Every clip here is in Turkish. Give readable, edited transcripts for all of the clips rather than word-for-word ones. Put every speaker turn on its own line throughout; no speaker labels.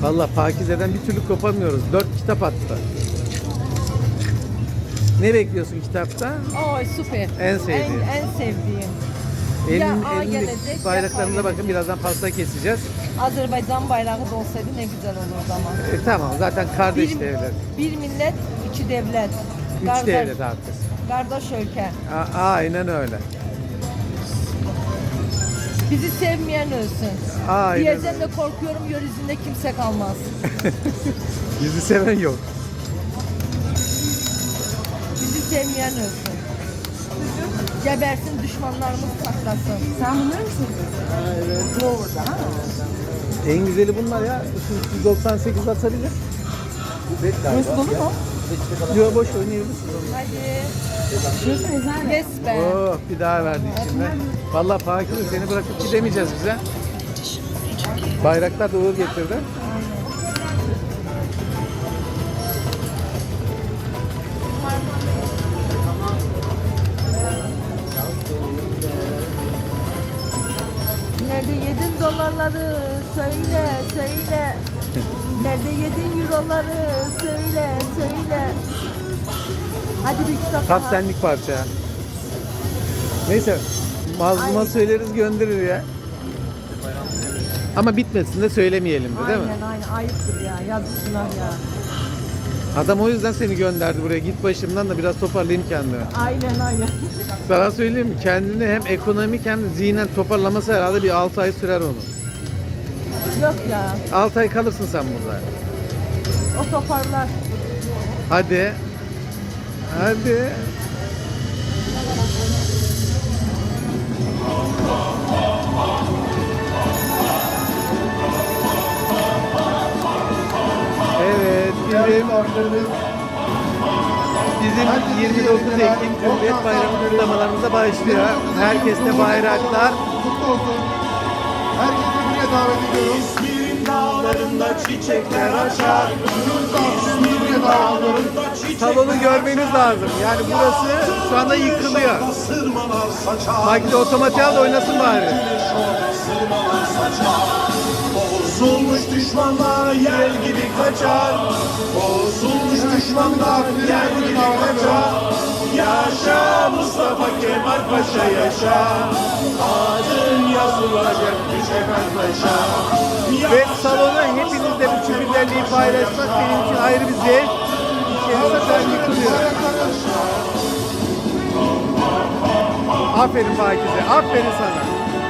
Vallahi Pakize'den bir türlü kopamıyoruz. 4 kitap attı. Ne bekliyorsun kitapta?
Oy süper.
En sevdiğin.
En sevdiğim.
Elindeki
gelecek,
bayraklarımıza
ya
bakın, birazdan pasta keseceğiz.
Azerbaycan bayrağı da olsaydı ne güzel olurdu ama.
Tamam, zaten kardeş
Bir,
devlet.
bir millet, iki devlet.
3 devlet artık.
Kardeş ülke.
Aynen öyle.
Bizi sevmeyen ölsün.
Aynen
Diyeceğim
öyle.
de korkuyorum, yeryüzünde kimse kalmaz.
Bizi seven yok.
Bizi sevmeyen ölsün. Gebersin, düşmanlarımız patlasın.
Sen bunları mı seviyorsun?
Evet.
Doğru'da ha?
En güzeli bunlar ya. Şu 198 atabilir.
Burası dolu mu?
Yok, boş oynayabilirsin.
Hadi.
Şurası güzel.
Yes be.
Oh, bir daha verdi içimden. Vallahi Pakize, seni bırakıp gidemeyeceğiz bize. Bayraktar da uğur getirdi.
Nerede yedin dolarları söyle söyle. Nerede yedin euroları söyle söyle. Hadi bir kitap
Tam
daha.
senlik parça. Neyse, mazluma
Ay.
söyleriz, gönderir ya. Ama bitmesin de söylemeyelim de, değil mi?
Aynen ayıptır ya, yazık günah ya.
Adam o yüzden seni gönderdi buraya. Git başımdan da biraz toparlayayım kendimi.
Aynen.
Sana söyleyeyim mi? Kendini hem ekonomik hem de zihnen toparlaması herhalde bir 6 ay sürer onu.
Yok ya,
6 ay kalırsın sen burada.
o toparlar.
Hadi. Hadi. Evet, bizim 29 Ekim Cumhuriyet Bayramı kutlamalarımıza başlıyor. Herkeste bayraklar.
Kutlu olsun. Herkesi buraya davet ediyorum.
İzmir'in dağlarında çiçekler açar. İzmir'in dağlarında çiçekler
Salonu görmeniz lazım. Yani burası şu anda yıkılıyor.
Sırmalar saçar.
Makine otomatik al da oynasın bari.
Sırmalar saçar. Bozulmuş düşmanlar yel gibi kaçar. Bozulmuş düşmanlar yel gibi kaçar. Yaşa Mustafa Kemal Paşa yaşa. Adın yazılacak Kemal Paşa.
Ve salonu hepinizle bu güzelliği paylaşmak benim için ayrı bir zevk. İçerisi şu an yıkılıyor. Aferin Pakize, aferin sana.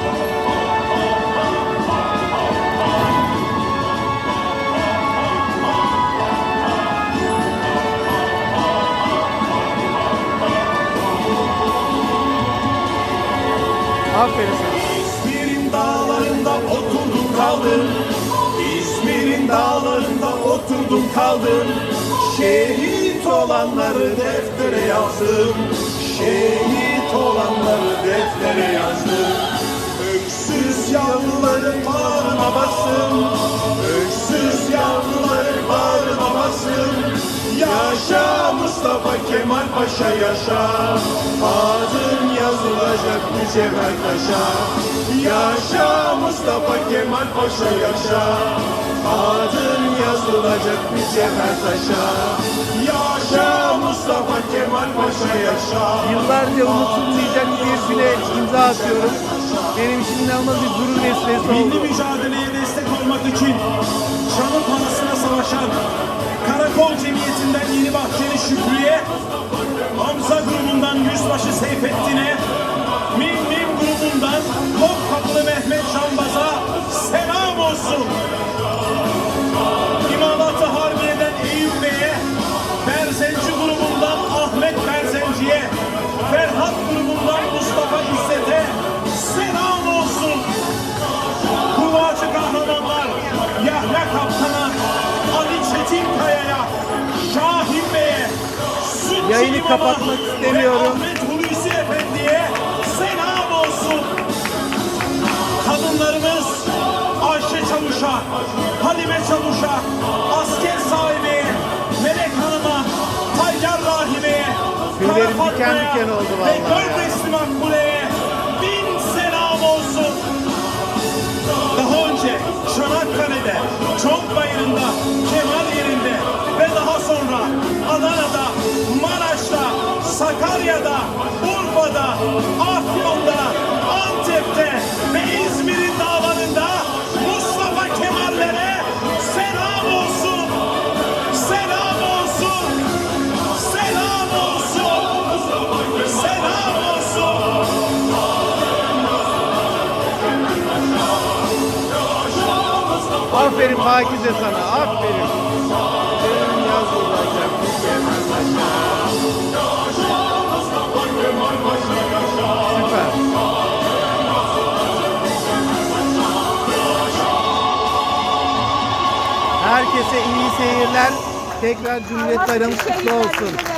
Aferin sana.
İzmir'in dağlarında oturdum kaldım. İzmir'in dağlarında oturdum kaldım. Şehit olanları deftere yazdım. Şehit olanları deftere yazdım. Öksüz yavruların bağrına bastım. Öksüz yavruların bağrına bastım. Yaşa Mustafa Kemal Paşa yaşa. Adın yazılacak mücevher taşa. Yaşa Mustafa Kemal Paşa yaşa. Adın yazılacak mücevher taşa. Yaşa Mustafa Kemal Paşa yaşa.
Yıllarca unutulmayacak bir güne imza atıyorum. Benim için inanılmaz bir gurur vesilesi
Milli
oldu.
mücadeleye destek olmak için Çamur Palası'na savaşan Karakol Cemiyeti'nden Yeni Bahçeli Şükrü'ye, Hamza grubundan Yüzbaşı Seyfettin'e, Mim grubundan Topkapılı Mehmet Şambaz'a selam olsun. İmalat-ı Harbiye'den Eyüp Bey'e, Berzenci grubundan Ahmet Berzenci'ye, Ferhat grubundan Mustafa İzzet'e selam olsun. Kuvacı kahramanlar Yahya Kaptan'a, Ali Çetinkaya'ya, Şahin Bey'e, Sütçü
Yayını
İmam'a
kapatmak istemiyorum.
ve Ahmet Hulusi Efendi'ye selam olsun. Kadınlarımız Ayşe Çavuş'a, Halime Çavuş'a, asker sahibi Melek Hanım'a, Tayyar Rahime'ye,
Tüylerim
Kara
diken
Fatma'ya
diken oldu
ve
vallahi.
Gördesli Makbule'ye bin selam olsun. Daha önce Çanakkale'de, Çonk Cezayir'inde, Kemal yerinde ve daha sonra Adana'da, Maraş'ta, Sakarya'da, Urfa'da, Afyon'da, Antep'te ve İzmir'in dağlarında Mustafa Kemal'lere selam olsun. Selam olsun. Selam olsun. Selam olsun.
Aferin Pakize sana, aferin. Senin yaz olacak. Süper. Herkese iyi seyirler. Tekrar Cumhuriyet Bayramı kutlu olsun.